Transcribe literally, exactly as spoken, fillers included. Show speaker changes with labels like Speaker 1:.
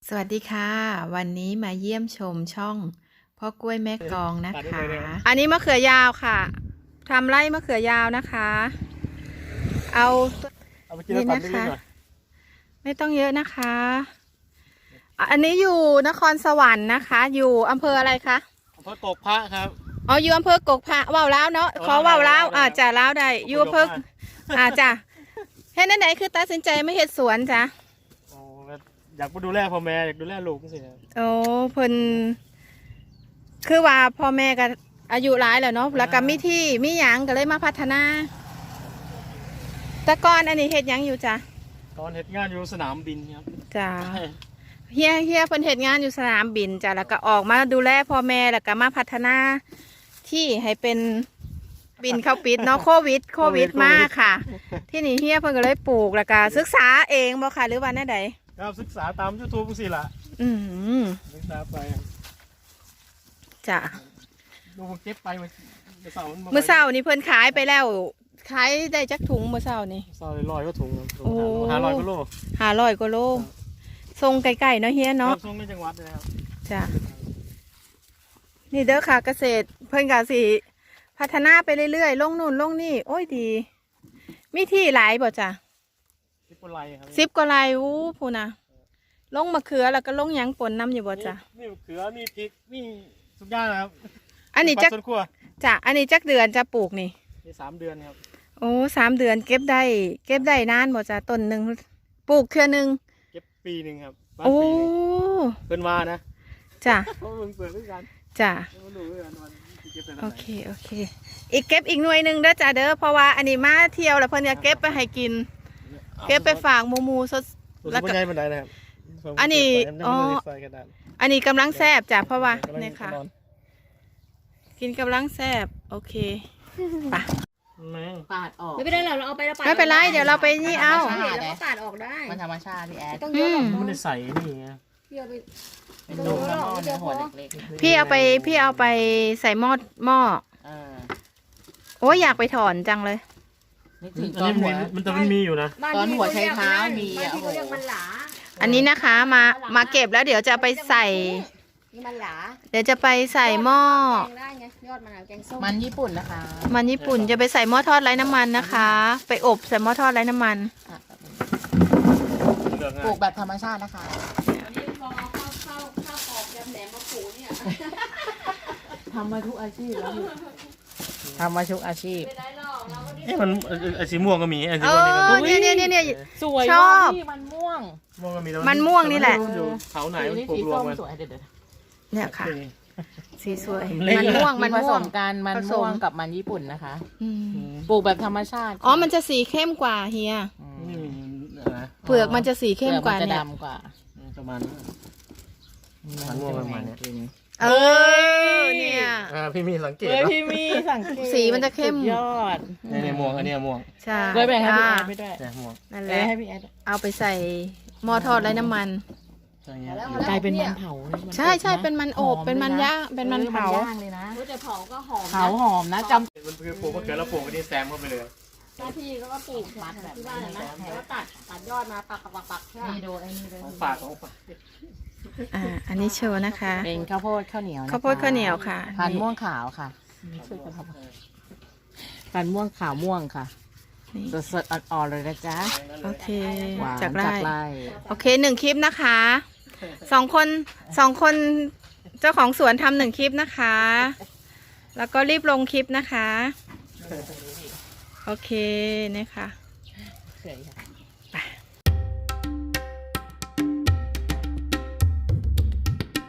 Speaker 1: สวัสดีค่ะวันนี้มาเยี่ยมชมช่องพ่อกล้วยแม่กองนะคะอันนี้มะเขือยาวค่ะทำไร่มะเขือยาวนะคะเอานี่นะคะไม่ต้องเยอะนะคะอันนี้อยู่นครสวรรค์นะคะอยู่อำเภออะไรคะ
Speaker 2: อำเภอกกพระครับ
Speaker 1: อ๋ออยู่อำเภอกกพระว่าวล้าวเนาะขอว่าวล้าวอ่าจ่าล้าวได้อยู่อำเภออ่าจ้ะเฮ็ดนั่นไหนคือตัดสินใจไม่เฮ็ดสวนจ้ะ
Speaker 2: อยากมาดูแลพ่อแม่อยากดูแลลูกสิ
Speaker 1: โอ้เพิ่นคือว่าพ่อแม่ก็อายุหลายแล้วเนาะแล้วก็มีที่มีหยังก็เลยมาพัฒนาแต่ก่อนอันนี้เฮ็ดหยังอยู่จ้ะ
Speaker 2: ตอนเฮ็ดงานอยู่สนามบินครับ
Speaker 1: จ้ะเฮียเฮียเพิ่นเฮ็ดงานอยู่สนามบินจ้ะแล้วก็ออกมาดูแลพ่อแม่แล้วก็มาพัฒนาที่ให้เป็นบินเข้าปิดเนาะโควิดโควิดมากค่ะที่นี่เฮียเพิ่นก็เลยปลูกแล้วก็ศึกษาเองบ่ค่ะหรือว่าแน่ใด
Speaker 2: ครับศึกษาตาม ยูทูบ สิล่ะ
Speaker 1: อืม
Speaker 2: ศึกษาไป
Speaker 1: จ้ะ
Speaker 2: ดูเก็บไปเมื่อเช้า
Speaker 1: เมื่อเช้านี่เพิ่นขายไปแล้วขายได้จักถุงเมื่อเช้านี่
Speaker 2: เช้าร้อยก็ถุงห้าร้อยกิโล
Speaker 1: ห้าร้อยกิโลส่งไกลๆเนาะเฮียเนาะ
Speaker 2: ส่งในจังหวัดเลยครับ
Speaker 1: จ้ะนี่เด้อค่ะเกษตรเพิ่นก็สิพัฒนาไปเรื่อยๆลงนู่นลงนี่โอ้ยดีมีที่หลายบ่จ้ะ
Speaker 2: สิบกว่าไร่ครับ
Speaker 1: สิบกว่าไร่อู้พูนะลงมะเขือแล้วก็ลงหยังปนน้ำอยู่บ่จ้ะ
Speaker 2: มีมะเขือมีพริกมีทุกอย่างนะครับ
Speaker 1: อันนี้จักจ้ะอันนี้จักเดือนจะปลูกนี่
Speaker 2: มีสามเดือนครับ
Speaker 1: โอ้สามเดือนเก็บได้เก็บได้นานบ่จ้ะต้นหนึ่งปลูกเครือหนึ่ง
Speaker 2: เก็บปีหนึ่งครับ
Speaker 1: โอ้
Speaker 2: เป็นว่านะ
Speaker 1: จ้ะ
Speaker 2: เพราะมึงเปิดด้วยกัน
Speaker 1: จ้ะโอเคโอเคอีกเก็บอีกหน่วยหนึ่งเด้อจ้ะเด้อเพราะว่าอันนี้มาเที่ยวแล้วเพิ่นจะเก็บไปให้กินเก็บไปฝากหมูหมูสด
Speaker 2: แล้วก็
Speaker 1: อันนี้อ๋ออันนี้กำลังแซ่บจ้ะเพราะว่าเนี่ยค่ะกินกำลังแซ่บโอเคปะ
Speaker 3: ปาดออก
Speaker 4: ไม่เป็นไรเราเอาไปแล้วปาด
Speaker 1: ไม่เป็นไรเดี๋ยวเราไปนี่เอา
Speaker 4: แล้วก็ปาดออกได้
Speaker 3: มันธรรมชาติพี่แอด
Speaker 4: ต้องเยอะหรอก
Speaker 2: มันได้ใส่นี่ไง
Speaker 4: พี่เอาไป
Speaker 3: เป็นนมแล้วหม้อเนื้อหัวเล็ก
Speaker 1: ๆพี่เอาไปพี่เอาไปใส่หม้อหม้อโอ้ยอยากไปถอนจังเลย
Speaker 2: ตอนหัวมันแต่มันมีอยู่นะ
Speaker 3: ตอนหัวใช้เท้ามีอ่ะโอ้
Speaker 1: อันนี้นะคะมามาเก็บแล้วเดี๋ยวจะไปใส่เดี๋ยวจะไปใส่หม้อ
Speaker 3: มันญี่ปุ่นนะคะ
Speaker 1: มันญี่ปุ่นจะไปใส่หม้อทอดไร้น้ำมันนะคะไปอบใส่หม้อทอดไร้น้ำมัน
Speaker 3: ปลูกแบบธรรมชาตินะคะทำมาทุกอาชีพแล้วทำมาทุกอาชีพ
Speaker 2: เอ๊ะมันไอสีม่วงก็มีไอสี
Speaker 1: ม่วงนี่ก็มีเนี่ยเนี่ยเนี่ย
Speaker 3: สวย
Speaker 1: ชอบ
Speaker 3: มันม่วง
Speaker 2: ม่วงก็มี
Speaker 1: มันม่วงนี่แหละ
Speaker 2: เขาไหนมันปลูกรวมกัน
Speaker 1: เนี่ยค่ะสีสวยมันม่วงมัน
Speaker 3: ผสมกันมันม่วงกับมันญี่ปุ่นนะคะปลูกแบบธรรมชาติ
Speaker 1: อ๋อมันจะสีเข้มกว่าเฮียเปลือกมันจะสีเข้มกว่า
Speaker 3: เนี่ยดำกว่า
Speaker 2: ประมาณมันม่วงประมาณนี้
Speaker 1: เออเนี่ย
Speaker 2: พี่มีสังเกต
Speaker 3: พี่มีสังเกต
Speaker 1: สีมันจะเข้ม
Speaker 3: ยอด
Speaker 2: เนี่ยม่วงอันนี้ม่วง
Speaker 1: ใช่
Speaker 3: เลยแบ่งให้พี่แอดไม่ได้
Speaker 1: นั่นแหละเอาไปใส่หม้อทอดไร้น้ำมัน
Speaker 3: กลายเป็นมันเผา
Speaker 1: ใช่ใช่เป็นมันอบเป็นมันย่างเป็นมันเผา
Speaker 3: เลยนะ
Speaker 4: จะเผาก็หอม
Speaker 3: เผาหอมนะจำ
Speaker 2: มันคือปลูกมะเขือแล้วปลูกอันนี้แซมเข้าไปเลย
Speaker 4: หน้าที่แล้วก็ปลูกที่บ้านนะแล้วก็ตัดตัดยอดมาปักปักปักใช่ไหม
Speaker 3: ดูไอ้นี่เลย
Speaker 2: ของฝากของฝาก
Speaker 1: อ่าอันนี้โชว์นะคะ
Speaker 3: เป็นข้าวโพดข้าวเหนียว
Speaker 1: ข้าวโพดข้าวเหนียวค่ะ
Speaker 3: พันม่วงขาวค่ะพันม่วงขาวม่วงค่ะสดสดอ่อนๆเลยนะจ๊ะ
Speaker 1: โอเคจากไร่โอเคหนึ่งคลิปนะคะสองคนสองคนเจ้าของสวนทำหนึ่งคลิปนะคะแล้วก็รีบลงคลิปนะคะโอเคเนี่ยค่ะ